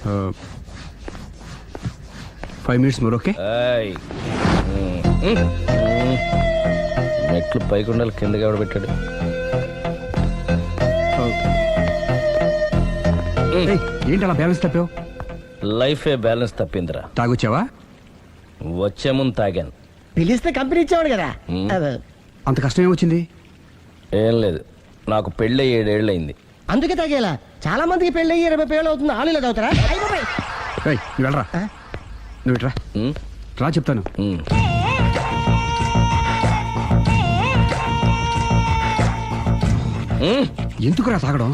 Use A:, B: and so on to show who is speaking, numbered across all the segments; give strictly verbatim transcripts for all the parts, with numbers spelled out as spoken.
A: Five minutes more okay.
B: మెట్లు పైకుండాలి కిందకి ఎవడ పెట్టాడు.
A: ఏంటి అలా బ్యాలెన్స్ తప్పావు?
B: లైఫే బ్యాలెన్స్ తప్పిందిరా.
A: తాగొచ్చావా?
B: వచ్చే ముందు తాగాను.
C: పిలిస్తే కంపెనీ ఇచ్చేవాడు కదా.
A: అంత కష్టం ఏమొచ్చింది?
B: ఏం లేదు, నాకు పెళ్ళి ఏడేళ్ళు అయింది.
C: అందుకే తాగేలా. చాలా మందికి పెళ్ళి అయ్యి ఇరవై పేళ్ళు అవుతుంది, ఆలు ఇలా తాగుతారా?
A: నువ్వు వెళ్ళరా, నువ్వు ఇట్రా రా చెప్తాను. ఎందుకురా తాగడం?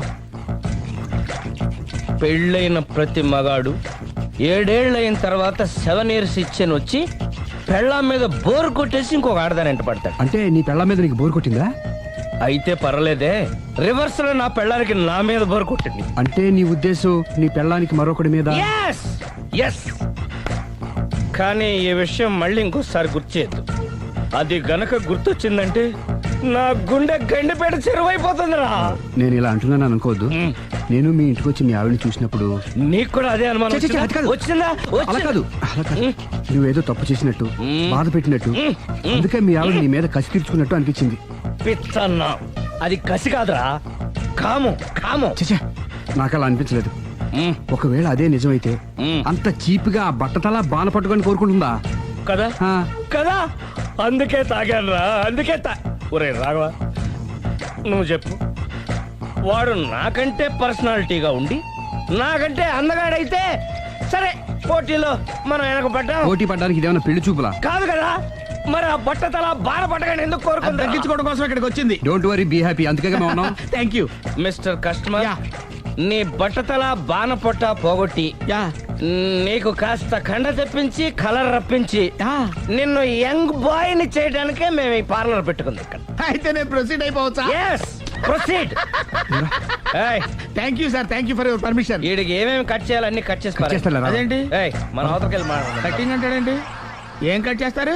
B: పెళ్ళైన ప్రతి మగాడు ఏడేళ్ళైన తర్వాత సెవెన్ ఇయర్స్ ఇచ్చాను వచ్చి పెళ్ళాం మీద బోర్ కొట్టేసి ఇంకొక ఆడదానంట పడతాడు.
A: అంటే నీ పెళ్ళాం మీద నీకు బోర్ కొట్టిందా?
B: అయితే పర్లేదే, రివర్స్ లో నా పెళ్ళానికి నా మీద బోర్ కొట్టింది.
A: అంటే నీ ఉద్దేశం నీ పెళ్ళానికి మరొకటి మీద?
B: Yes yes. కానీ ఈ విషయం మళ్ళీ ఇంకోసారి గుర్తు చేయద్దు. అది గనక గుర్తొచ్చిందంటే నా గుండె గండిపేట చెరువైపోతుందిరా.
A: నేను ఇలా అంటున్నాను అనుకోవద్దు. నేను మీ ఇంటికి వచ్చి మీ ఆవిడని చూసినప్పుడు
B: నీకు కూడా అదే అనుమానం వచ్చిందా?
A: అలా కాదు, అలా కాదు. నువ్వేదో తప్పు చేసినట్టు, బాధ పెట్టినట్టు, అందుకే మీ ఆవిడ నీ మీద కసి తీర్చుకున్నట్టు అనిపించింది.
B: పిచ్చన్నా, అది కసి కాదురా, కాము కాము.
A: చచ్చా, నాకు అలా అనిపించలేదు. ఒకవేళ అదే నిజమైతే అంత చీప్ గా బట్టతలా బాన పట్టుకొని కోరుకుంటుందా
B: కదా కదా? అందుకే తాగాను రా, అందుకే తా. ఒరే రాఘవ, నువ్వు చెప్పు, వాడు నాకంటే పర్సనాలిటీగా ఉండి నాకంటే అందగాడైతే సరే, పోటీలో మనం వెనక పడ్డాం.
A: పోటీ పడ్డానికి ఇదేమన్నా పెళ్లి చూపులా?
B: కాదు కదా, మరి ఆ బట్టతల బాన పట్టగానే ఎందుకు కోరుకుంది?
A: తగ్గించుకోవడం కోసం ఇక్కడికి వచ్చింది. Don't worry, be happy. అందుకే మేము ఉన్నాం.
B: Thank you mister customer. నీ బట్టతల బాన పొట్ట పోగొట్టి నీకు కాస్త కండ తెప్పించి కలర్ రప్పించి నిన్ను యంగ్ బాయ్ ని చేయడానికే మేము ఈ పార్లర్ పెట్టుకుంది ఇక్కడ.
C: అయితే నేను ప్రొసీడ్ అయిపోవచ్చా?
B: yes proceed.
C: Thank you sir, thank you for your permission.
B: వీడికి ఏమేమి కట్ చేయాలి అన్ని కట్ చేసి
C: అదేంటి
B: మన అవతలకి వెళ్ళి మాట్లాడదాం.
C: కటింగ్ అంటాడండి? ఏం కట్ చేస్తారు?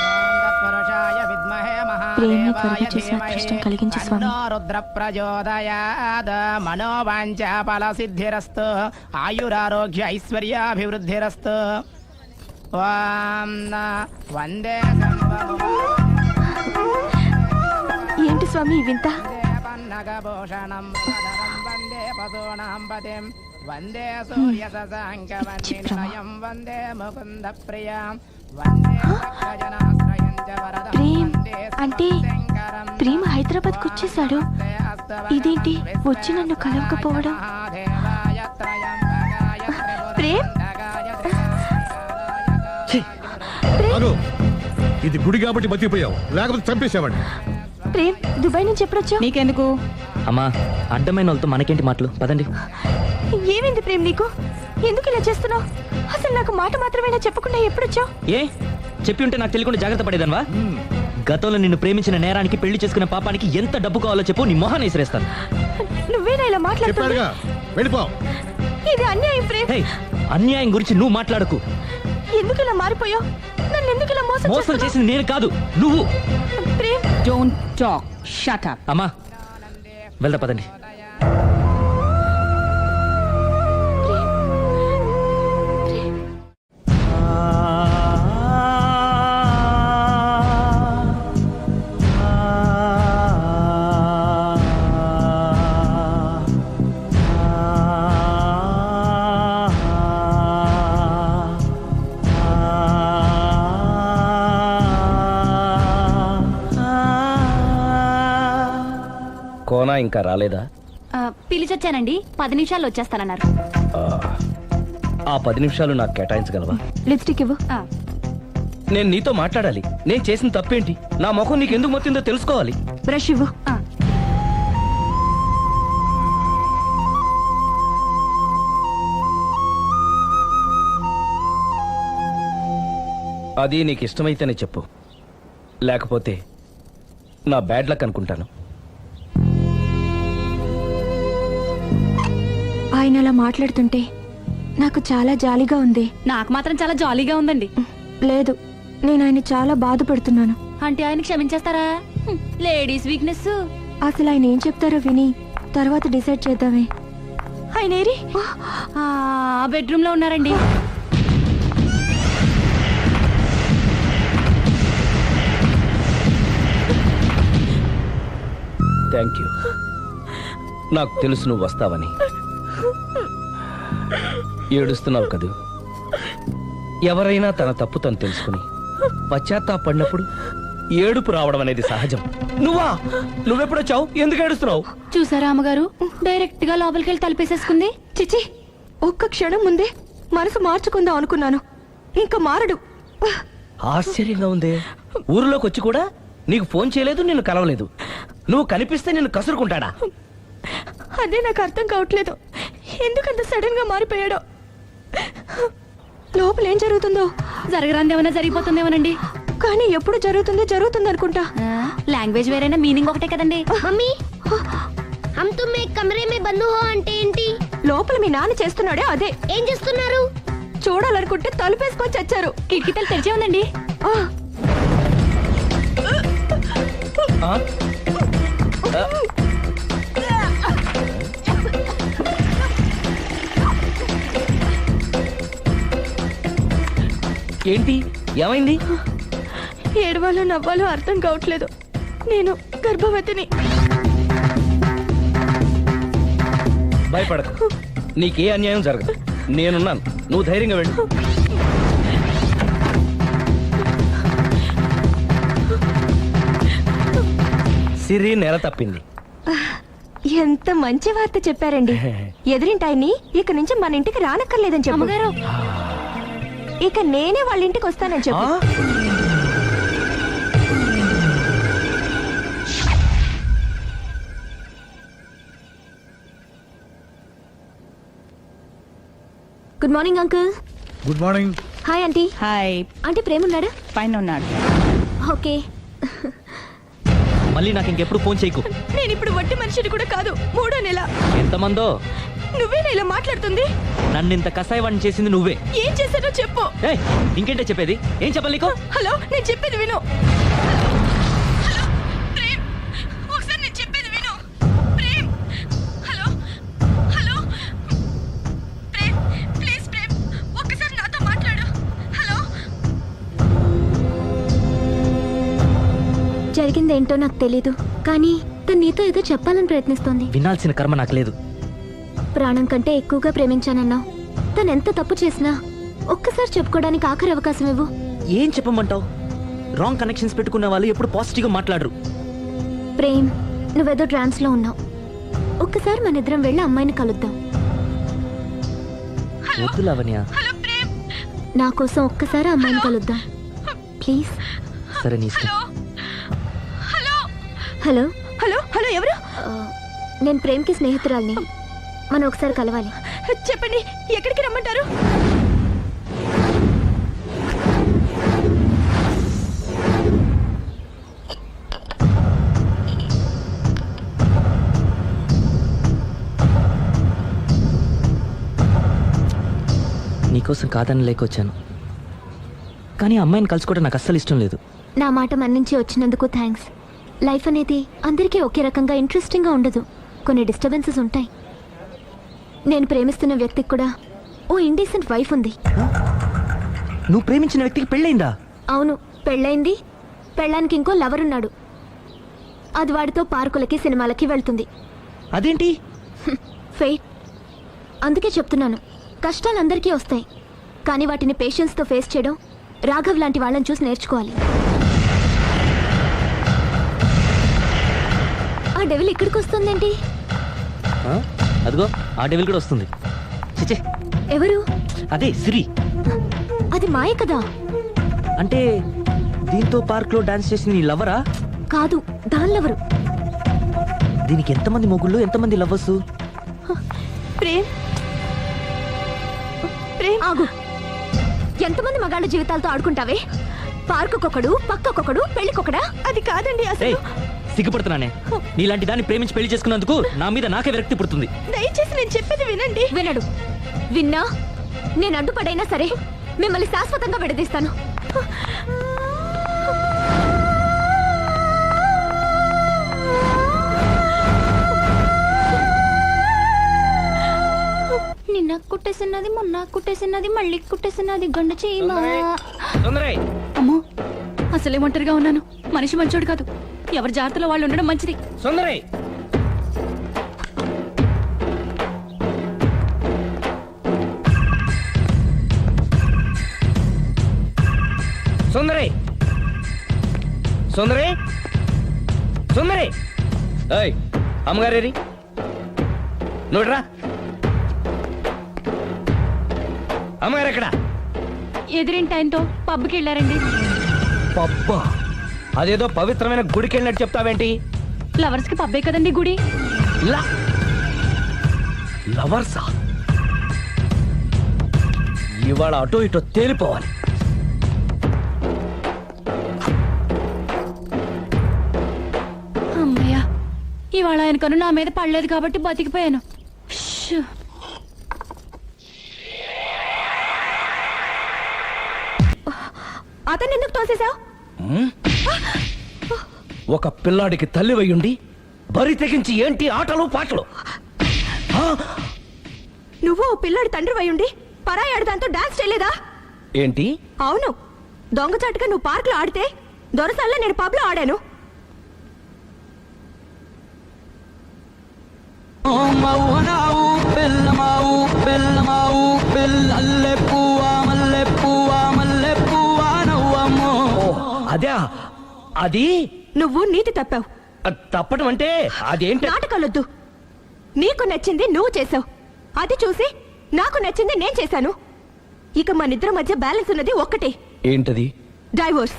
D: ప్రేమ త్వరగా చేసిన అదృష్టం కలిగించు స్వామి.
E: రుద్ర ప్రచోదయాద్ మనోవాంఛ ఫల సిద్ధిరస్తు ఆయురారోగ్య ఐశ్వర్యాభివృద్ధిరస్తు. వందే
D: ఏంటి స్వామి వింత?
E: పన్నగభూషణం వందే పశూనాం పతిం వందే సూర్య శశాంక వన్నిలయం వందే ముకుంద ప్రియం వందే భక్తజనాశ్రయం చ వరదం.
D: ప్రేమ్ అంటే ప్రేమ హైదరాబాద్ కు వచ్చేసాడు. ఇదేంటి వచ్చి నన్ను కలవకపోవడం? ప్రేమ్,
F: ఇది గుడి కాబట్టి బతికిపోయావు, లేకపోతే చంపేసేవాడిని.
D: ప్రేమ్, దుబాయ్ నుంచి ఎప్పుడొచ్చా?
G: నీకెందుకు
H: అమ్మా, అడ్డమైన వాళ్ళతో మనకేంటి మాటలు, పదండి.
D: ఏమైంది ప్రేమ్ నీకు? ఎందుకు ఇలా చేస్తున్నావు? అసలు నాకు మాట మాత్రమేనా చెప్పకుండా ఎప్పుడొచ్చావు?
H: ఏ చెప్పి ఉంటే నాకు తెలియకుండా జాగ్రత్త పడేదన్వా? గతంలో నిన్ను ప్రేమించిన నేరానికి, పెళ్లి చేసుకున్న పాపానికి ఎంత డబ్బు కావాలో చెప్పు, నీ మొహాన్ని విసిరేస్తాను.
D: నువ్వేనా ఇలా మాట్లాడుతున్నావు?
F: వెళ్ళిపో.
D: ఇది అన్యాయం ప్రేమ్.
H: హే, అన్యాయం గురించి నువ్వు మాట్లాడకు.
D: ఎందుకు ఇలా మారిపోయావు? నన్ను ఎందుకు ఇలా మోసం
H: మోసం చేసింది నేను కాదు, నువ్వు.
D: Prem,
G: don't talk, shut up.
H: అమ్మా వెళ్దా పదండి.
B: కోనా ఇంకా రాలేదా?
D: పిలిచొచ్చానండి, పది నిమిషాల్లో వచ్చేస్తానన్నారు.
B: ఆ పది నిమిషాలు నాకు కేటాయించగలవా?
D: లిప్స్టిక్ ఇవ్వు.
B: నేను నీతో మాట్లాడాలి. నేను చేసిన తప్పేంటి, నా ముఖం నీకు ఎందుకు మొత్తిందో తెలుసుకోవాలి.
D: బ్రష్ ఇవ్వు.
B: అది నీకు ఇష్టమైతేనే చెప్పు, లేకపోతే నా బ్యాడ్ లక్ అనుకుంటాను.
D: ఆయన అలా మాట్లాడుతుంటే నాకు చాలా జాలీగా ఉంది.
G: నాకు మాత్రం చాలా జాలీగా ఉందండి.
D: లేదు, నేను ఆయన చాలా బాధపడుతున్నాను.
G: అంటే ఆయన క్షమించేస్తారా? Ladies weakness.
D: అసలు ఆయన ఏం చెప్తారో విని తర్వాత డిసైడ్ చేద్దామే. ఆయన ఏరి?
G: ఆ బెడ్రూమ్ లో ఉన్నారండి.
B: Thank you. నాకు తెలుసు నువ్వు వస్తావని. ఏడుస్తున్నావు కదూ. ఎవరైనా తన తప్పు తను తెలుసుకుని పశ్చాత్తాపడినప్పుడు ఏడుపు రావడం అనేది సహజం. నువ్వా? నువ్వెప్పుడొచ్చావు? ఎందుకు ఏడుస్తున్నావు?
G: చూసారా అమ్మగారు, డైరెక్ట్ గా లోపలికి వెళ్ళి తలిపేసేసుకుంది.
D: చిచి, ఒక్క క్షణం ముందే మనసు మార్చుకుందాం అనుకున్నాను, ఇంకా మారడు.
B: ఆశ్చర్యంగా ఉందే. ఊరిలోకి వచ్చి కూడా నీకు ఫోన్ చేయలేదు, నిన్ను కలవలేదు. నువ్వు కనిపిస్తే నిన్ను కసురుకుంటాడా?
D: అదే నాకు అర్థం కావట్లేదు, ఎందుకంత సడన్ గా మారిపోయాడో. లోపల ఏం జరుగుతుందో,
G: జరగరాంది ఏమైనా జరిగిపోతుందేమోనండి.
D: కానీ ఎప్పుడు జరుగుతుంది జరుగుతుంది అనుకుంటా.
G: లాంగ్వేజ్ వేరైనా మీనింగ్ ఒకటే కదండి.
I: మమ్మీ హమ్ తుమ్ ఏక్ కమరే మే బంద్ హో అంటే ఏంటి?
D: లోపల మీ నాన్న చేస్తున్నాడే అదే.
I: ఏం చేస్తున్నారు?
D: చూడాలనుకుంటే తలుపేసుకొని చచ్చారు.
G: కిటికీ తలుపు తెరిచే ఉందండి.
B: ఆ? ఆ? ఏంటి? ఏమైంది?
D: ఏడవాలో నవ్వాలో అర్థం కావట్లేదు. నేను గర్భవతిని.
B: భయపడకు, నీకే అన్యాయం జరగదు. నేనున్నాను, నువ్వు ధైర్యంగా వెళ్ళు. సిరి నెల తప్పింది.
D: ఎంత మంచి వార్త చెప్పారండి. ఎదురింటాయని ఇక నుంచి మన ఇంటికి రానక్కర్లేదని చెప్పు.
G: అమ్మగారు,
D: ఇక నేనే వాళ్ళ ఇంటికి వస్తానని చెప్పు.
B: ఆ?
D: Good morning uncle.
F: Good morning.
D: Hi aunty.
G: Hi.
D: Aunty ప్రేమ ఉన్నాడా?
G: పైన ఉన్నాడు.
D: ఓకే.
H: మళ్ళీ నాకు ఇంకెప్పుడు ఫోన్ చేయకు.
D: నేను ఇప్పుడు వట్టి మనిషిని కూడా కాదు, మూడో నెల.
H: ఎంతమందో
D: నువ్వేనా ఇలా మాట్లాడుతుంది?
H: నన్ను ఇంత కసాయవాణి చేసింది నువ్వే.
D: ఏం చేశానో చెప్పు.
H: ఏయ్, ఇంకేంటే చెప్పేది? ఏం చెప్పాలి నీకు?
D: హలో, నేను చెప్పేది విను. హలో ప్రేమ్, ఒకసారి నేను చెప్పేది విను. Prem, hello hello Prem, please Prem, ఒక్కసారి నాతో మాట్లాడు. హలో. జరిగిందేంటో నాకు తెలీదు, కానీ తను నీతో ఏదో చెప్పాలని ప్రయత్నిస్తోంది.
H: వినాల్సిన కర్మ నాకు లేదు.
D: ప్రాణం కంటే ఎక్కువగా ప్రేమించానన్నావు. తను ఎంత తప్పు చేసినా ఒక్కసారి చెప్పుకోవడానికి ఆఖరి అవకాశం ఇవ్వు.
H: ఏం చెప్పమంటావు? రాంగ్ కనెక్షన్స్ పెట్టుకున్న వాళ్ళు ఎప్పుడు పాజిటివ్గా మాట్లాడరు.
D: ప్రేమ్, నువ్వేదో ట్రాన్స్ లో ఉన్నావు. ఒక్కసారి మన ఇద్దరం వెళ్ళి అమ్మాయిని కలుద్దాం.
H: వద్దు లావణ్య.
D: నా కోసం ఒక్కసారి అమ్మాయిని కలుద్దాం ప్లీజ్.
H: సరే, నీ ఇష్టం.
D: హలో హలో హలో ఎవరు? నేను ప్రేమ్కి స్నేహితురాల్ని. మనం ఒకసారి కలవాలి. చెప్పండి, ఎక్కడికి రమ్మంటారు?
H: నీకోసం కాదని లేకొచ్చాను, కానీ ఆ అమ్మాయిని కలుసుకోవడం నాకు అస్సలు ఇష్టం లేదు.
D: నా మాట మన్నించి వచ్చినందుకు థ్యాంక్స్. లైఫ్ అనేది అందరికీ ఒకే రకంగా ఇంట్రెస్టింగ్గా ఉండదు, కొన్ని డిస్టర్బెన్సెస్ ఉంటాయి. నేను ప్రేమిస్తున్న వ్యక్తికి కూడా ఓ ఇండీసెంట్ వైఫ్ ఉంది.
H: నువ్వు ప్రేమించిన వ్యక్తికి పెళ్ళైందా?
D: అవును, పెళ్ళైంది. పెళ్ళానికి ఇంకో లవర్ ఉన్నాడు. అది వాడితో పార్కులకి సినిమాలకి వెళ్తుంది.
H: అదేంటి?
D: ఫెయిట్. అందుకే చెప్తున్నాను, కష్టాలు అందరికీ వస్తాయి, కానీ వాటిని పేషెన్స్తో ఫేస్ చేయడం రాఘవ్ లాంటి వాళ్ళని చూసి నేర్చుకోవాలి. ఆ డెవిల్ ఇక్కడికి వస్తుందేంటి?
H: ఆ? అదిగో ఆ డెవిల్ కూడా వస్తుంది. చిచే,
D: ఎవరు?
H: అదే సిరి.
D: అది మాయ కదా.
H: అంటే దీంతో పార్క్ లో డాన్స్ చేసిన నీ లవరా?
D: కాదు, దానిలెవరు?
H: దీనికి ఎంతమంది మొగుళ్ళు, ఎంతమంది లవ్వర్స్?
D: ప్రేమ్, ప్రేమ్ ఆగు. ఎంతమంది మగాళ్ళ జీవితాలతో ఆడుకుంటావే? పార్కుకొకడు, పక్కకొకడు, పెళ్లికొకడా? అది కాదండి
H: ఏయ్,
D: అసలు.
H: సిగ్గుపడుతున్నానే. నీలాంటి దాన్ని ప్రేమించి పెళ్లి చేసుకున్నందుకు నా మీద నాకే విరక్తి పుడుతుంది.
D: దయచేసి నేను చెప్పేది వినండి. వినడు. విన్నా నేను అడ్డుపడైనా సరే మిమ్మల్ని శాశ్వతంగా విడదీస్తాను.
G: నిన్న కుట్టేసినది మొన్న కుట్టేసినది మళ్ళీ కుట్టేసినది గండు చీమ.
B: తొందరై
G: అమ్మో అసలే ఒంటరిగా ఉన్నాను. మనిషి మంచోడు కాదు. ఎవరి జాగ్రత్తలో వాళ్ళు ఉండడం మంచిది.
B: సుందరై సుందరై సుందరై సుందరై ఏయ్ అమ్మగారేరి నోడ్రా అమ్మగారు ఎక్కడ?
G: ఎదిరింటి ఆయనతో పబ్కి వెళ్ళారండి.
B: పబ్బా అదేదో పవిత్రమైన గుడికి వెళ్ళినట్టు చెప్తావేంటి?
G: లవర్స్ కి పబ్బే కదండి గుడి.
B: లా లవర్సా? ఇవాళ అటో ఇటో తేలిపోవాలి.
G: అమ్మయ్యా ఇవాళ ఆయనకను నా మీద పడలేదు కాబట్టి బతికిపోయాను. షూ.
D: అతను ఎందుకు తోసేశావు?
B: ఒక పిల్లాడికి తల్లి వయ్యుండి బరి తెగించి ఏంటి ఆటలు పాటలు? ఆ?
D: నువ్వు ఓ పిల్లాడి తండ్రి వయ్యుండి పరాయాడు దాంతో డాన్స్ చేయలేదా?
B: ఏంటి?
D: అవును, దొంగచాటుగా నువ్వు పార్క్ లో ఆడితే దొరసల్లా నేను పబ్ లో ఆడాను.
B: అదే అది
D: నువ్వు నీతి తప్పావు.
B: తప్పటం అంటే అదేంటి?
D: నాటకాలొద్దు. నీకు నచ్చింది నువ్వు చేసావు, అది చూసి నాకు నచ్చింది నేను చేశాను. ఇక మన ఇద్దరి మధ్య బ్యాలెన్స్ ఉన్నది ఒక్కటే,
B: ఏంటది?
D: డైవోర్స్.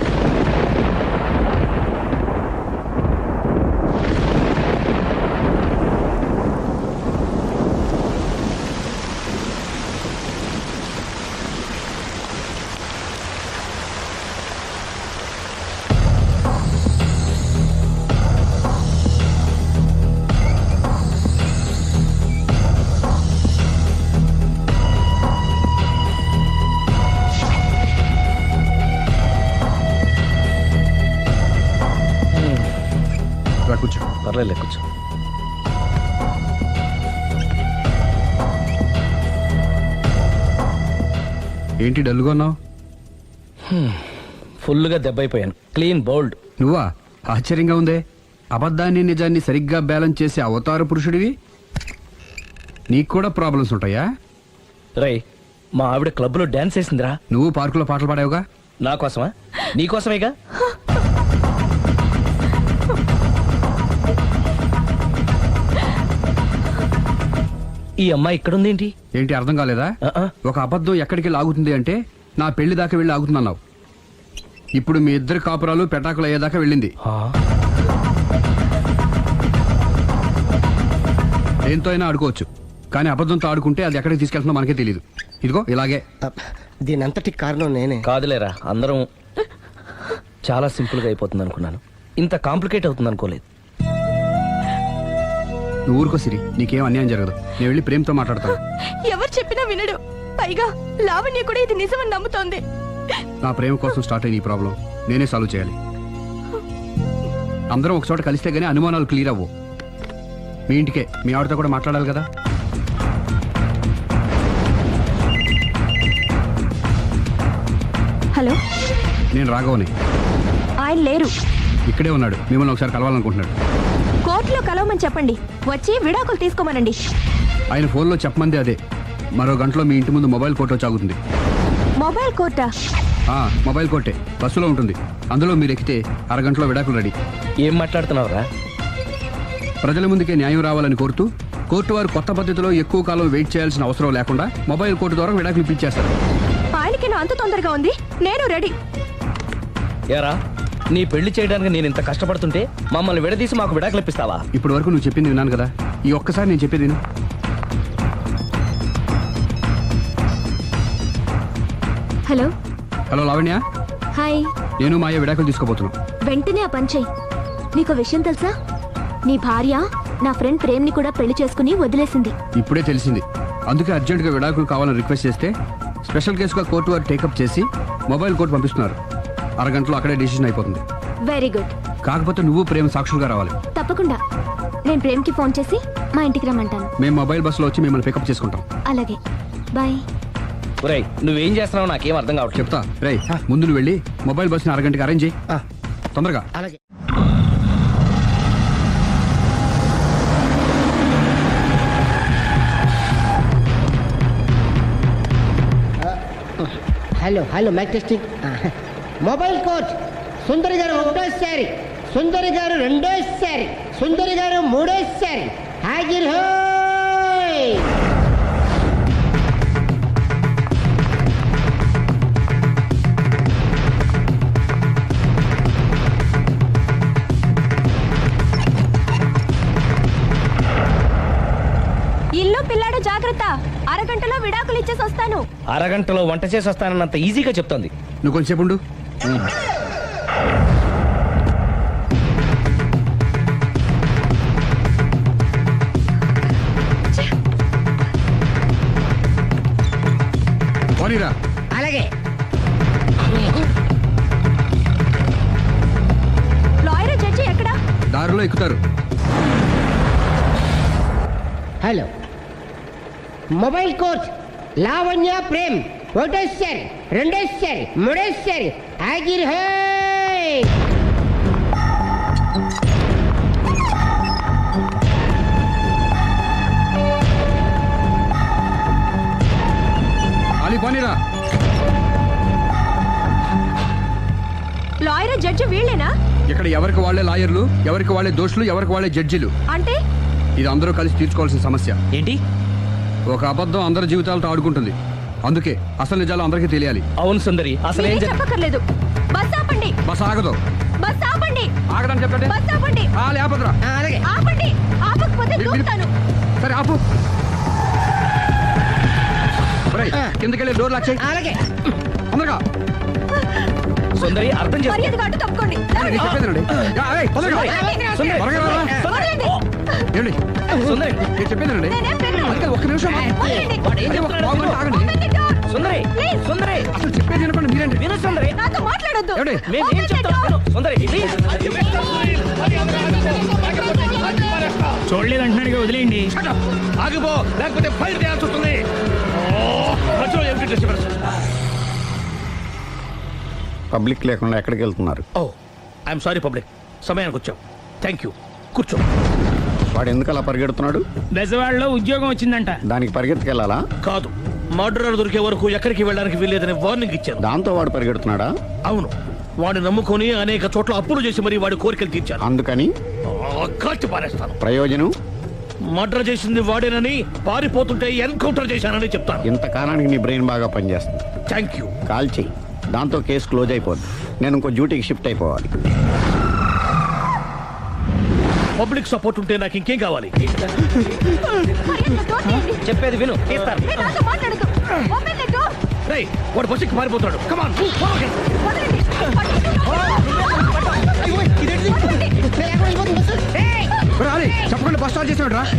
A: కూర్చో.
B: పర్లేదు కూర్చో.
A: ఏంటి డల్గా ఉన్నావు?
B: ఫుల్గా దెబ్బైపోయాను. Clean bowled.
A: నువ్వా? ఆశ్చర్యంగా ఉందే. అబద్ధాన్ని నిజాన్ని సరిగ్గా బ్యాలెన్స్ చేసే అవతార పురుషుడివి. నీకు కూడా ప్రాబ్లమ్స్ ఉంటాయా?
B: రై మా ఆవిడ క్లబ్లో డాన్స్ వేసిందిరా.
A: నువ్వు పార్కులో పాటలు పాడావుగా.
B: నా కోసమా? నీకోసమేగా. ఈ అమ్మాయి ఇక్కడుందేంటి?
A: ఏంటి అర్థం కాలేదా? ఒక అబద్ధం ఎక్కడికి లాగుతుంది అంటే నా పెళ్లి దాకా వెళ్ళి ఆగుతున్నావు. ఇప్పుడు మీ ఇద్దరు కాపురాలు పెటాకులు అయ్యేదాకా వెళ్ళింది. దేంతో అయినా ఆడుకోవచ్చు, కానీ అబద్ధంతో ఆడుకుంటే అది ఎక్కడికి తీసుకెళ్తుందో మనకే తెలియదు. ఇదిగో ఇలాగే.
C: దీని అంతటి కారణం నేనే.
B: కాదులేరా, అందరం చాలా సింపుల్గా అయిపోతుంది అనుకున్నాను. ఇంత కాంప్లికేట్ అవుతుంది అనుకోలేదు.
A: నువ్వు ఊరుకో సిరి, నీకేం అన్యాయం జరగదు. నేను వెళ్ళి ప్రేమతో మాట్లాడతాను.
D: ఎవరు చెప్పినా వినడు. పైగా లావణ్య కూడా ఇది నిజమని నమ్ముతోంది.
A: నా ప్రేమ కోసం స్టార్ట్ అయిన ఈ ప్రాబ్లం నేనే సాల్వ్ చేయాలి. అందరం ఒక చోట కలిస్తే గానీ అనుమానాలు క్లియర్ అవ్వు. మీ ఇంటికే, మీ ఆవిడతో కూడా మాట్లాడాలి కదా.
D: హలో,
A: నేను రాఘవని.
D: ఆయన లేరు.
A: ఇక్కడే ఉన్నాడు. మిమ్మల్ని ఒకసారి కలవాలనుకుంటున్నాడు.
D: కోర్టులో కలవమని చెప్పండి, వచ్చి విడాకులు తీసుకోమనండి.
A: ఆయన ఫోన్లో చెప్పమంది అదే. మరో గంటలో మీ ఇంటి ముందు మొబైల్ కోర్టు వచ్చి ఆగుతుంది.
D: మొబైల్ కోర్టా?
A: ఆ, మొబైల్ కోర్టే బస్సులో ఉంటుంది. అందులో మీరు ఎక్కితే అరగంటలో విడాకులు రెడీ.
B: ఏం మాట్లాడుతున్నావురా?
A: ప్రజల ముందుకే న్యాయం రావాలని కోరుతూ కోర్టు వారు కొత్త పద్ధతిలో ఎక్కువ కాలం వెయిట్ చేయాల్సిన అవసరం లేకుండా మొబైల్ కోర్టు ద్వారా విడాకులు ఇప్పించేస్తారు.
D: ఆయనకి నా అంత తొందరగా ఉంది, నేను రెడీ.
B: ఏరా, నీ పెళ్లి చేయడానికి నేను ఇంత కష్టపడుతుంటే మమ్మల్ని విడదీసి మాకు విడాకులు ఇప్పిస్తావా?
A: ఇప్పటి వరకు నువ్వు చెప్పింది విన్నాను కదా, ఈ ఒక్కసారి నేను చెప్పేది విను.
D: హలో.
A: హలో లావణ్య.
D: హాయ్.
A: నేను మాయ విడాకులు తీసుకోబోతున్నాను.
D: వెంటనే ఆ పని చెయ్యి. నీకు విషయం తెలుసా? నీ భార్య నా ఫ్రెండ్ ప్రేమ్ని కూడా పెళ్లి చేసుకుని వదిలేసింది.
A: ఇప్పుడే తెలిసింది. అందుకే అర్జెంటుగా విడాకులు కావాలని రిక్వెస్ట్ చేస్తే స్పెషల్ కేసుగా కోర్టు వారు టేకప్ చేసి మొబైల్ కోర్టు పంపిస్తున్నారు. అరగంటలో అక్కడే డిసిషన్ అయిపోతుంది.
D: Very good.
A: కాకపోతే నువ్వు ప్రేమ సాక్షులుగా రావాలి.
D: తప్పకుండా. నేను ప్రేమ్కి ఫోన్ చేసి మా ఇంటికి రమ్మంటాను.
A: మేము మొబైల్ బస్సులో వచ్చి మిమ్మల్ని పికప్ చేసుకుంటాం.
D: అలాగే, బాయ్.
B: ఒరేయ్ నువ్వేం చేస్తున్నావు నాకేం అర్థం కావట్లేదు.
A: చెప్తా రేయ్, ముందు నువ్వు వెళ్ళి మొబైల్ బస్ని అరగంటకి అరేంజ్ చేయి.
C: ఆ.
A: తొందరగా.
C: అలాగే. Hello hello mike testing. Mobile coach Sundari garu ఒకటోసారి, సుందరి గారు రెండోసారి, సుందరి గారు మూడోసారి. హాజిర్ హోయ్.
G: ఇల్లు పిల్లాడు జాగ్రత్త, అరగంటలో విడాకులు ఇచ్చేసి వస్తాను.
B: అరగంటలో వంట చేసి వస్తానన్నంత ఈజీగా చెప్తోంది.
A: నువ్వు కొంచెంసేపు ఉండు. పోనీరా.
C: అలాగే.
G: లాయర్ జడ్జి ఎక్కడా?
A: దారిలో ఎక్కుతారు.
C: Hello mobile coach Lavanya Prem ఒకటోసారి, రెండోసారి, మూడోసారి. హాజిర్ హోయ్.
A: అలీ పోనీరా.
G: లాయర్ జడ్జి వీళ్ళేనా?
A: ఇక్కడ ఎవరికి వాళ్ళే లాయర్లు, ఎవరికి వాళ్ళే దోషులు, ఎవరికి వాళ్ళే జడ్జిలు.
G: అంటే
A: ఇది అందరూ కలిసి తీర్చుకోవాల్సిన సమస్య.
H: ఏంటి?
A: ఒక అబద్ధం అందరి జీవితాలతో ఆడుకుంటుంది. అందుకే అసలు నిజాలు అందరికీ తెలియాలి.
B: అవును సుందరి, అసలు ఏం
G: మీరేం
B: జరి-
G: చెప్పక్కర్లేదు. బస్ ఆపండి,
A: బస్ ఆగదు.
G: బస్ ఆపండి,
A: ఆగదని చెప్పండి.
G: బస్ ఆపండి,
A: లేపదురా.
C: అలాగే.
G: ఆపండి. ఆపకపోతే
A: మీరు- మీరు-
G: దూకుతాను.
A: సరే ఆపు. ఒరేయ్, కిందకెళ్ళి డోర్ లాక్ చేయి.
C: అలాగే.
A: తొందరగా.
B: సుందరి అర్థం చేసుకో.
G: మర్యాదగా అడ్డు తప్పుకోండి.
A: నేను చెప్పేదేనండి. యా, ఏయ్, తొందరగా.
B: సుందరి,
A: త్వరగా రా.
G: వదలండి.
A: ఏమండి?
B: సుందరి,
A: నేను చెప్పేదేనండి.
G: నేనేం పెట్టను.
A: అందుకే ఒక్క నిమిషం.
G: వదలండి.
A: అదే ఒక పావు గంట ఆగండి.
G: Open the door.
B: Sundari,
G: Please.
B: సుందరి,
A: అసలు చెప్పేది వినపండి మీరేంటి?
B: విను సుందరి.
G: నాతో మాట్లాడొద్దు.
A: ఏమండి?
B: మేము ఏం
G: Open the
B: చెప్తాం
G: door.
B: విను. సుందరి ప్లీజ్.
J: చూడలేదు అంటున్నాడు, వదిలేయండి.
F: ఆగిపో, లేకపోతే ఫైర్ చేయాల్సి వస్తుంది. మధ్యలో ఏమిటి డిస్టర్బెన్స్?
K: పబ్లిక్ లేకుండా ఎక్కడికి వెళ్తున్నారు?
F: ఓ ఐఎమ్ సారీ పబ్లిక్, సమయానికి వచ్చాం. థ్యాంక్ యూ, కూర్చో.
K: వాడు ఎందుకు అలా పరిగెడుతున్నాడు?
J: బెజవాడలో ఉద్యోగం వచ్చిందంట.
K: దానికి పరిగెత్తుకెళ్ళాలా?
F: కాదు, మర్డరర్ దొరికే వరకు ఎక్కడికి వెళ్ళడానికి వీల్లేదని వార్నింగ్ ఇచ్చాను.
K: దాంతో వాడు పరిగెడుతున్నాడా?
F: అవును, వాడిని నమ్ముకొని అనేక చోట్ల అప్పులు చేసి మరి వాడి కోరికలు తీర్చాను.
K: అందుకని
F: ఆ, కాల్చి పారేస్తాను.
K: ప్రయోజనం?
F: మర్డర్ చేసింది వాడేనని, పారిపోతుంటే ఎన్కౌంటర్ చేశానని చెప్తాను.
K: ఇంతకాలానికి నీ బ్రెయిన్ బాగా పనిచేస్తుంది.
F: Thank you.
K: కాల్ చెయ్యి, దాంతో కేసు క్లోజ్ అయిపోద్ది. నేను ఇంకో డ్యూటీకి షిఫ్ట్ అయిపోవాలి.
F: పబ్లిక్ సపోర్ట్ ఉంటే నాకు ఇంకేం కావాలి?
G: మర్యాదగా door తీయండి.
B: చెప్పేది విను. తీస్తాను.
G: మీరు నాతో మాట్లాడొద్దు. Open the door.
F: రేయ్, వాడు బస్సుకి పారిపోతాడు. కమాన్.
G: వదలండి. పట్టుకోండి.
A: ఒరేయ్, అలీ, చెప్పకుండా బస్ స్టార్ట్ చేసాడు రా.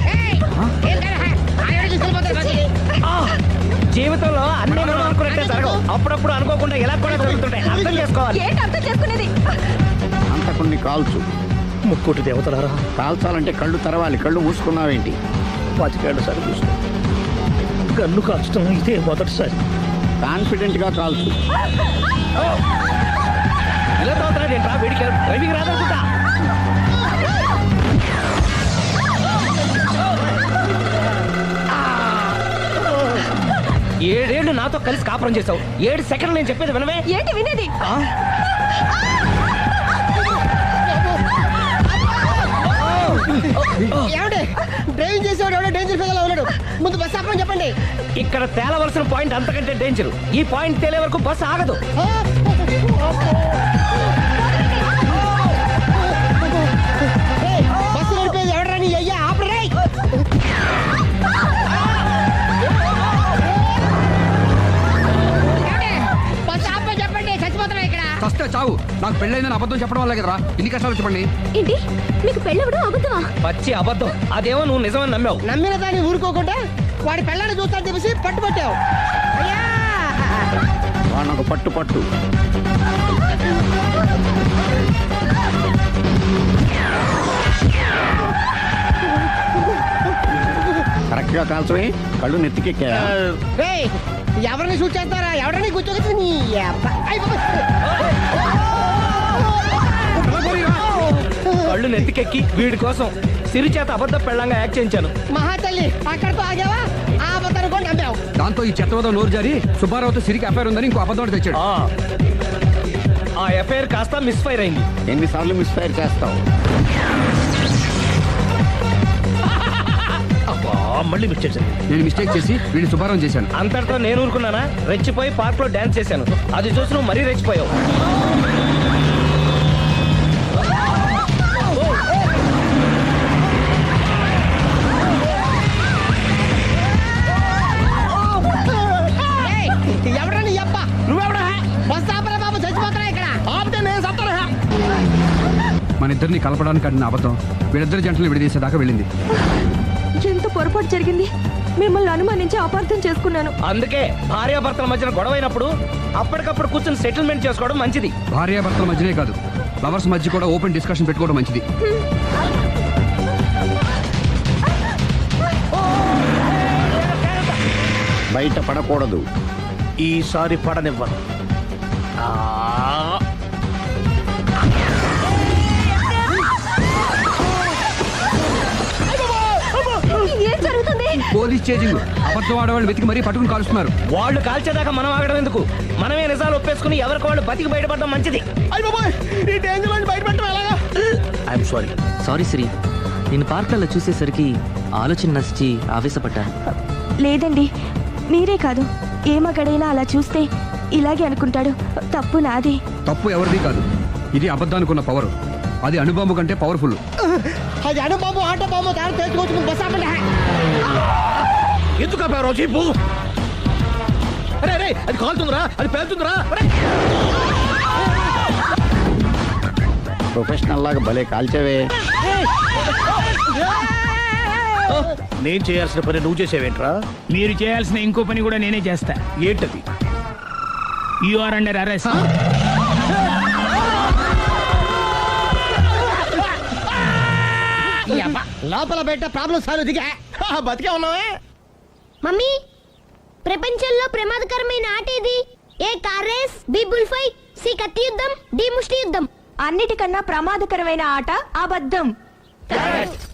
B: జీవితంలో అన్ని మనం అనుకున్నట్టే జరగవు. అప్పుడప్పుడు అనుకోకుండా ఎలా కూడా జరుగుతుంటాయి. అర్థం చేసుకోవాలి.
G: ఏంటి అర్థం చేసుకునేది?
K: అంత కొన్ని కాల్చు.
F: ముక్కోటి దేవతలారా,
K: కాల్చాలంటే కళ్ళు తెరవాలి. కళ్ళు మూసుకున్నావేంటి?
F: పాతికేళ్ల సారి చూసుకో. గన్ను కాల్చడం ఇదే మొదటిసారి.
K: కాన్ఫిడెంట్ గా కాల్చు.
B: ఇలా తోతున్నాడు ఏంట్రా? వీడికి డ్రైవింగ్ రాదనుకుంటా. ఏడేళ్లు నాతో కలిసి కాపురం చేసావు. ఏడు సెకండ్లు నేను చెప్పేది వినవే.
G: ఏంటి వినేది?
C: ఏమండి, డ్రైవింగ్ చేసేవాడు ఎవడో డేంజర్ ఫీల్ ఉన్నాడు. ముందు బస్ ఆపమని చెప్పండి.
B: ఇక్కడ తేలవలసిన పాయింట్ అంతకంటే డేంజర్. ఈ పాయింట్ తేలే వరకు బస్సు ఆగదు.
C: ఏయ్, బస్సు నడిపేది ఎవడరా నీ అయ్యా? ఆపరే. బస్ ఆపమని చెప్పండి, చచ్చిపోతున్నా ఇక్కడ.
A: ఫస్ట్ చావు. నాకు పెళ్ళైందని అబద్ధం చెప్పడం వల్ల కదరా ఇన్ని కష్టాలు చెప్పండి.
D: ఏంటి, మీకు పెళ్ళవడం అబద్ధమా?
B: పచ్చి అబద్ధం. అదేమో నువ్వు నిజమని నమ్మావు.
C: నమ్మిన దాన్ని ఊరుకోకుండా వాడి పిల్లని చూస్తాను చెప్పేసి పట్టుబట్టావు. అయ్యా,
K: వాడిని ఒక పట్టు పట్టు. గట్టిగా కాల్చమే కళ్ళు నెత్తికెక్కా
C: రేయ్, ఎవరిని షూట్ చేస్తారా? ఎవరిని కూర్చోగచ్చు నీ అబ్బ. అయ్ బాబోయ్.
B: కళ్ళు నెత్తికెక్కి వీడి కోసం సిరి చేత అబద్ధ పెళ్ళంగా యాక్ట్ చేయించాను.
C: మహాతల్లి అక్కడితో ఆగావా? ఆ అబద్ధాన్ని కూడా నమ్మావు.
A: దాంతో ఈ చెత్తవద నోరు జారి సుబ్బారావుతో సిరికి అఫైర్ ఉందని ఇంకో అబద్ధం ఒకటి తెచ్చాడు.
B: ఆ. ఆ ఎఫ్ఐఆర్ కాస్త మిస్ఫైర్ అయింది.
K: ఎన్నిసార్లు మిస్ఫైర్ చేస్తావు?
F: అబ్బా, మళ్ళీ మిస్ చేశాను.
A: నేను మిస్టేక్ చేసి వీడిని సుబ్బారావు చేశాను.
B: అంతటితో నేను ఊరుకున్నానా? రెచ్చిపోయి పార్క్ లో డాన్స్ చేశాను. అది చూసి నువ్వు మరీ రెచ్చిపోయావు.
C: ఏయ్, ఎవరా నీ అబ్బ? నువ్వెవడా? బస్ ఆపరా బాబు, చచ్చిపోతారా ఇక్కడ? ఆపితే నేను చస్తారా?
A: మన ఇద్దరిని కలపడానికి ఆడిన అబద్ధం వీళ్ళిద్దరి జంటలు విడదీసేదాకా వెళ్ళింది.
D: ఎంత పొరపాటు జరిగింది. మిమ్మల్ని అనుమానించి అపార్థం చేసుకున్నాను.
B: అందుకే భార్యాభర్తల మధ్యన గొడవైనప్పుడు అప్పటికప్పుడు కూర్చొని సెటిల్మెంట్ చేసుకోవడం మంచిది.
A: భార్యాభర్తల మధ్యనే కాదు, లవర్స్ మధ్య కూడా ఓపెన్ డిస్కషన్ పెట్టుకోవడం మంచిది.
K: బయట పడకూడదు.
F: ఈసారి పడనివ్వను. ఆ,
D: ఏం జరుగుతుంది?
A: Police chasing. అబద్ధం ఆడవాళ్ళు వెతికి మరీ పట్టుకుని కాలుస్తున్నారు.
B: వాళ్ళు కాల్చేదాకా మనం ఆగడం ఎందుకు? మనమే నిజాలు ఒప్పేసుకుని ఎవరికి వాళ్ళు బతికి బయటపడడం మంచిది.
C: అయ్య బాబోయ్, ఈ డేంజర్ నుంచి బయటపడటం ఎలాగా?
F: I'm sorry.
H: సారీ సిరి, నేను పార్కులలో చూసేసరికి ఆలోచన నచ్చి ఆవేశపడ్డాను.
D: లేదండి, మీరే కాదు, ఏ మగాడైనా అలా చూస్తే ఇలాగే అనుకుంటాడు. తప్పు నాది.
A: తప్పు ఎవరిది కాదు. ఇది అబద్ధానికి ఉన్న పవర్. అది అణుబాంబు కంటే పవర్ఫుల్.
C: అది అడు బాబు, ఆటో బాబు, తాను తెలుసుకోవచ్చు. బస్ ఆపండి.
F: ఎందుకు ఆపావు జీపు? అరే అరే, అది కాలుతుందిరా, అది పేలుతుందిరా. అరే!
K: ప్రొఫెషనల్ లాగా భలే కాల్చవే.
F: నేను చేయాల్సిన పని నువ్వు చేసేవేంట్రా?
J: మీరు చేయాల్సిన ఇంకో పని కూడా నేనే చేస్తా.
F: ఏంటది?
J: You are under arrest.
C: ఈ అబ్బ, లోపల బయట ప్రాబ్లం సాల్వ్ దిగా బతికే ఉన్నావే.
I: మమ్మీ, ప్రపంచంలో ప్రమాదకరమైన ఆట ఇది. A car race, B bull fight, C కత్తి యుద్ధం, డి ముష్టి యుద్ధం.
D: అన్నిటికన్నా ప్రమాదకరమైన ఆట అబద్ధం.